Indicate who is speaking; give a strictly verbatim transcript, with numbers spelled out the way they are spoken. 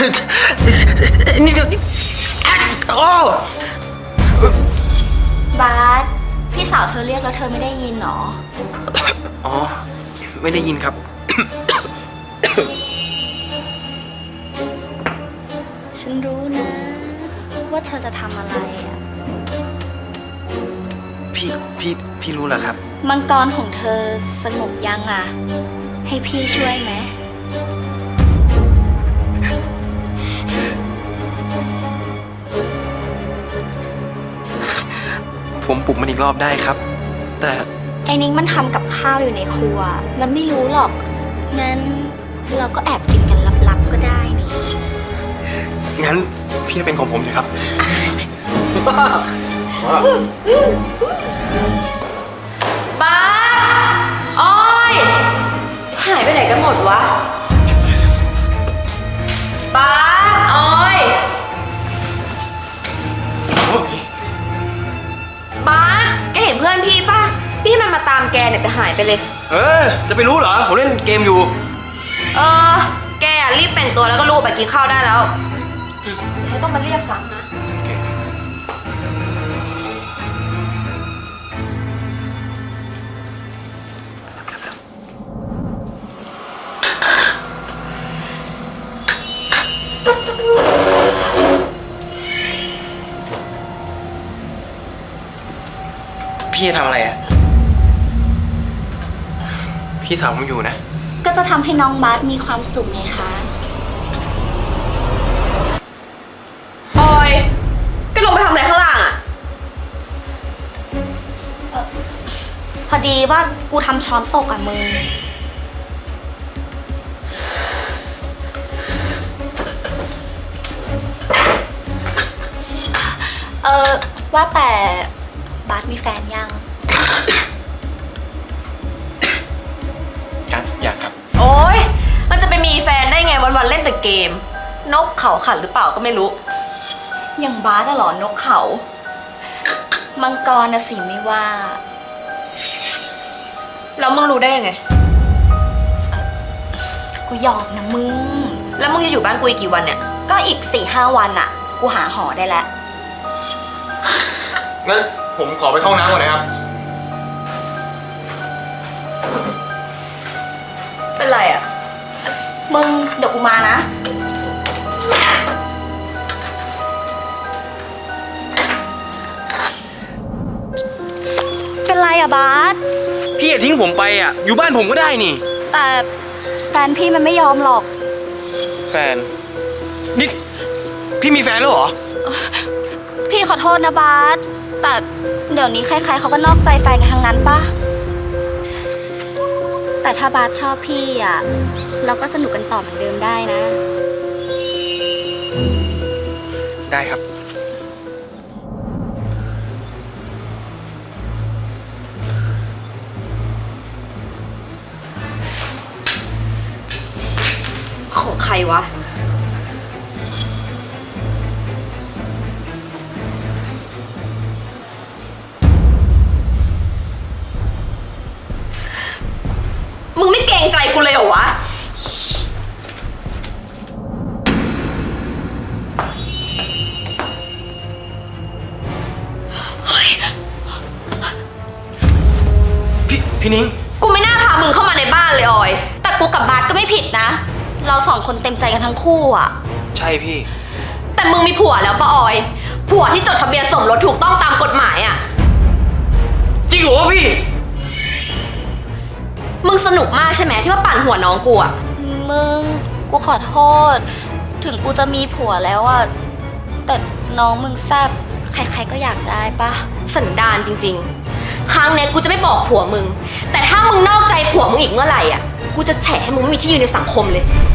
Speaker 1: นี่เดี๋ยวนี้โอ้
Speaker 2: บาสพี่สาวเธอเรียกแล้วเธอไม่ได้ยินหรอ
Speaker 1: อ๋อไม่ได้ยินครับ
Speaker 2: ฉันรู้นะ ว่าเธอจะทำอะไรอ่ะ
Speaker 1: พี่พี่พี่รู้เหรอครับ
Speaker 2: มังกรของเธอสงบยังอ่ะ ให้พี่ช่วยไหม
Speaker 1: ผมปลุกมันอีกรอบได้ครับ แต่
Speaker 2: ไอ้นิ้งมันทำกับข้าวอยู่ในครัว มันไม่รู้หรอก งั้นเราก็แอบกินกันลับๆก็ได้นี่
Speaker 1: งั้นพี่เป็นของผมเถอะครับ
Speaker 3: บ้าอ้อยหายไปไหนกันหมดวะบ้าอ้อยบ้าแกเห็นเพื่อนพี่ป่ะพี่มันมาตามแกเนี่ยแต่หายไปเลย
Speaker 1: เออจะไปรู้เหรอผมเล่นเกมอยู่
Speaker 3: เออแกอะรีบแต่งตัวแล้วก็ลูกไปกินข้าวได้แล้วไม่ต้องมาเรียกซ้ำนะ
Speaker 1: พี่จะทำอะไรอ่ะพี่สาวผมอยู่นะ
Speaker 2: ก็จะทำให้น้องบาสมีความสุขไงคะ
Speaker 3: ออยแกลงไปทำอะไรข้างล่างอะ
Speaker 2: พอดีว่ากูทำช้อนตกอ่ะมึง เออว่าแต่บาสมีแฟนยัง
Speaker 1: ยังอยากครับ
Speaker 3: โอ๊ยมันจะไปมีแฟนได้ไงวันๆเล่นแต่เกม นกเขาขันหรือเปล่าก็ไม่รู้
Speaker 2: อย่างบาสอะเหรอนกเขา มังกรนะสิไม่ว่า
Speaker 3: แล้วมึงรู้ได้ยังไง
Speaker 2: กูหยอกนะมึง
Speaker 3: แล้วมึงจะอยู่บ้านกูอีกกี่วันเนี่ย
Speaker 2: ก็อีกสี่ห้าวันอะกูหาหอได้แล้ว
Speaker 1: งั้นผมขอไปเข้าน้ำก่อนนะครับ
Speaker 3: เป็นไรอะ
Speaker 2: มึงเดี๋ยวกูมานะ เป็นไรอะบาส
Speaker 1: พี่อย่าทิ้งผมไปอ่ะอยู่บ้านผมก็ได้นี่
Speaker 2: แต่แฟนพี่มันไม่ยอมหรอก
Speaker 1: แฟนนี่พี่มีแฟนแล้วเหรอ
Speaker 2: พี่ขอโทษนะบาสแต่เดี๋ยวนี้ใครๆเขาก็นอกใจแฟนกันทั้งนั้นปะแต่ถ้าบาสชอบพี่อ่ะ เราก็สนุกกันต่อเหมือนเดิมได้นะ
Speaker 1: ได้ครับ
Speaker 3: ของใครวะ มึงไม่เกรงใจกูเลยเหรอวะ
Speaker 1: พี่พี่นิ้ง
Speaker 3: กูไม่น่าพามึงเข้ามาในบ้านเลยออย
Speaker 2: แต่กูกับบาสก็ไม่ผิดนะ เราสองคนเต็มใจกันทั้งคู่อ่ะ
Speaker 1: ใช่พี่
Speaker 3: แต่มึงมีผัวแล้วปะออย ผัวที่จดทะเบียนสมรสถูกต้องตามกฎหมายอะ
Speaker 1: จริงเหรอวะพี่
Speaker 3: มึงสนุกมากใช่ไหมที่ว่าปั่นหัวน้องกูอะ
Speaker 2: มึงกูขอโทษ ถึงกูจะมีผัวแล้วอ่ะ แต่น้องมึงแซ่บใครๆก็อยากได้ปะ
Speaker 3: สันดานจริงๆ ครั้งนี้กูจะไม่บอกผัวมึง แต่ถ้ามึงนอกใจผัวมึงอีกเมื่อไหร่อะกูจะแฉให้มึงไม่มีที่ยืนในสังคมเลย